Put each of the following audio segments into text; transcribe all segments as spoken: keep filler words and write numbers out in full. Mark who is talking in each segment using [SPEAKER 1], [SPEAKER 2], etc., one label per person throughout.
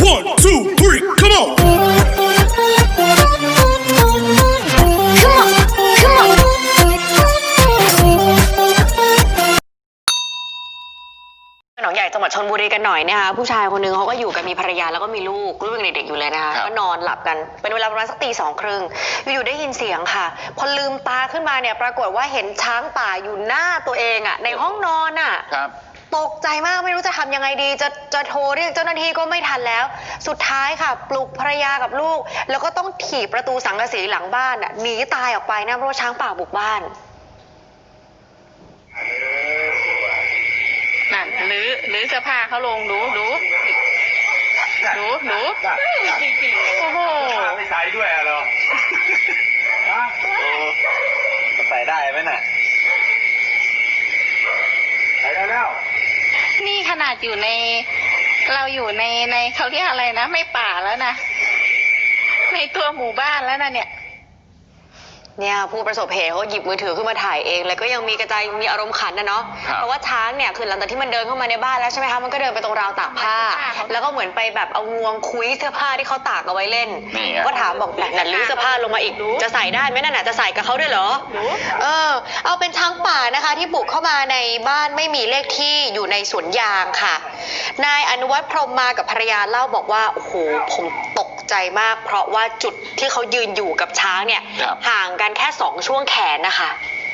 [SPEAKER 1] One, two, three, come on!
[SPEAKER 2] Come on, come on. หนองใหญ่จังหวัดชลบุรีกันหน่อยนะคะผู้ชายคนนึงเขาก็อยู่กันมีภรรยาแล้วก็มีลูกลูกยังเด็กๆอยู่เลยนะคะก็นอนหลับกันเป็นเวลาประมาณสักตีสองครึ่งอยู่ๆได้ยินเสียงค่ะพอลืมตาขึ้นมาเนี่ยปรากฏว่าเห็นช้างป่าอยู่หน้าตัวเองอ่ะในห้องนอนอ่ะตกใจมากไม่รู้จะทำยังไงดีจะจะโทรเรียกเจ้าหน้าที่ก็ไม่ทันแล้วสุดท้ายค่ะปลุกภรรยากับลูกแล้วก็ต้องถีบประตูสังกะสีหลังบ้านอ่ะหนีตายออกไปนะเพราะว่าช้างป่าบุกบ้าน
[SPEAKER 3] นั่นหรือหรือเสื้อผ้าเขาลงดูดูดูดูโอ้โห
[SPEAKER 4] ไม่ใส่ด้วยอะเหรอโอ้ใส่ได้ไหมน่ะใส่ได้แล้ว
[SPEAKER 3] นี่ขนาดอยู่ในเราอยู่ในในเขาเรียกอะไรนะไม่ป่าแล้วนะในตัวหมู่บ้านแล้วนะเนี่ย
[SPEAKER 2] เนี่ยผู้ประสบเหตุเขาหยิบมือถือขึ้นมาถ่ายเองแล้วก็ยังมีกระจายมีอารมณ์ขันนะเนาะเพราะว่าช้างเนี่ยคือหลังจากที่มันเดินเข้ามาในบ้านแล้วใช่ไหมคะมันก็เดินไปตรงราวตากผ้าแล้วก็เหมือนไปแบบเอางวงคุยเสื้อผ้าที่เขาตากเอาไว้เล่นก็ถามบอกแบบนั่นลื้อเสื้อผ้าลงมาอีกจะใส่ได้ไหมนั่นน่ะจะใส่กับเขาด้วยเหรอเออเอาเป็นช้างป่านะคะที่บุกเข้ามาในบ้านไม่มีเลขที่อยู่ในสวนยางค่ะนายอนุวัฒน์พรหมมากับภรรยาเล่าบอกว่าโอ้โหผมตกใจมากเพราะว่าจุดที่เขายืนอยู่กับช้างเนี่ยห่างกันแค่สองช่วงแขนนะคะ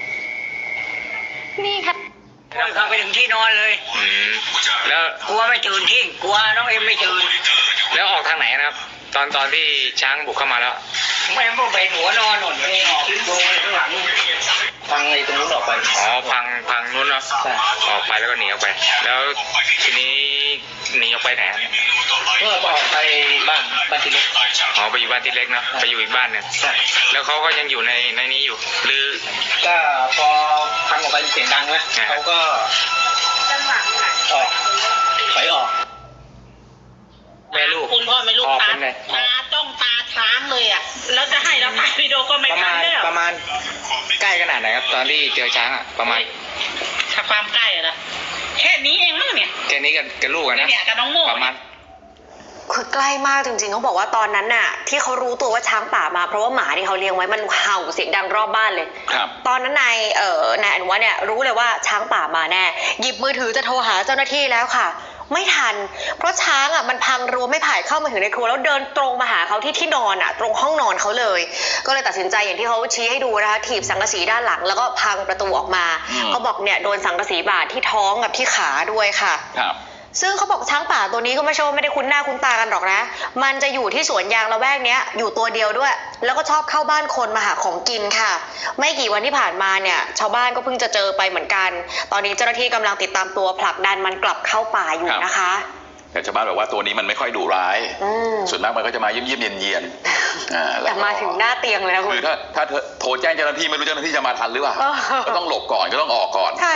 [SPEAKER 3] นี่ค่ะ
[SPEAKER 5] เข้าไปถึงที่นอนเลยแล้วกลัวไม่ตื่นที่กลัวน้องเอ็มไม่ตื่น
[SPEAKER 4] แล้วออกทางไหนนะครับตอนตอนที่ช้างบุกเข้ามาแล้ว
[SPEAKER 5] ไม่พวกไปหัวนอนหนุนเลยออกขึ้นโดนข้างหลัง
[SPEAKER 4] พังไอ้ตรงนู้นออกไปอ๋อพังพังนู้นเนาะออกไปแล้วก็หนีออกไปแล้วทีนี้หนีออกไปไหน
[SPEAKER 5] ก็ออกไปบ้านบ้านที่เล็ก
[SPEAKER 4] อ๋อไปอยู่บ้านที่เล็กเนาะไปอยู่อีกบ้านนึงแล้วเขาก็ยังอยู่ในในนี้อยู่หรือ
[SPEAKER 5] ก็พอพังออกไปเสียงดังนะเขาก็ออกถอยออก
[SPEAKER 4] แม่ลูก
[SPEAKER 5] คุณพ่อแม่ลูกตาตาต้องตาช้างเลยอ่ะแล้วจะให้เราถ่ายวิดีโอก็ไม่ทันแล้ว
[SPEAKER 4] ประมาณใกล้ขนาดไหนครับตอนที่เจอช้างอ่ะประมาณ
[SPEAKER 5] ถ้าความใกล้อะนะแค่นี้เองมั้งเนี่ย
[SPEAKER 4] แค่นี้กับกับลูกอะนะ
[SPEAKER 5] เนี่ยกับน้องโม่
[SPEAKER 4] ประมาณ
[SPEAKER 2] คือใกล้มากจริงๆเขาบอกว่าตอนนั้นน่ะที่เขารู้ตัวว่าช้างป่ามาเพราะว่าหมาที่เขาเลี้ยงไว้มันเห่าเสียงดังรอบบ้านเลย
[SPEAKER 4] ครับ
[SPEAKER 2] ตอนนั้นนายเอ่อนายอนุวัฒน์เนี่ยรู้เลยว่าช้างป่ามาแน่หยิบมือถือจะโทรหาเจ้าหน้าที่แล้วค่ะไม่ทันเพราะช้างอ่ะมันพังรั้วไม่ไผ่เข้ามาถึงในครัวแล้วเดินตรงมาหาเขาที่ที่นอนอ่ะตรงห้องนอนเขาเลยก็เลยตัดสินใจอย่างที่เขาชี้ให้ดูนะคะถีบสังกะสีด้านหลังแล้วก็พังประตูออกมาเขาบอกเนี่ยโดนสังกะสีบาดที่ท้องกับที่ขาด้วยค่ะ
[SPEAKER 4] ครับ
[SPEAKER 2] ซึ่งเขาบอกช้างป่าตัวนี้ก็ไม่ใช่ว่าไม่ได้คุ้นหน้าคุ้นตากันหรอกนะมันจะอยู่ที่สวนยางละแวกเนี้ยอยู่ตัวเดียวด้วยแล้วก็ชอบเข้าบ้านคนมาหาของกินค่ะไม่กี่วันที่ผ่านมาเนี่ยชาวบ้านก็เพิ่งจะเจอไปเหมือนกันตอนนี้เจ้าหน้าที่กำลังติดตามตัวผลักดันมันกลับเข้าป่าอยู่นะคะ
[SPEAKER 6] แต่ชาวบ้านบอกว่าตัวนี้มันไม่ค่อยดุร้ายส่วนมากมันก็จะมาเยี่ยมๆเย็นๆ
[SPEAKER 2] แต่มาถึงหน้าเตียงเลยนะคุณ
[SPEAKER 6] คือถ้าถ้าโทรแจ้งเจ้าหน้าที่ไม่รู้เจ้าหน้าที่จะมาทันหรือเปล่าก็ต้องหลบก่อนก็ต้องออกก่อน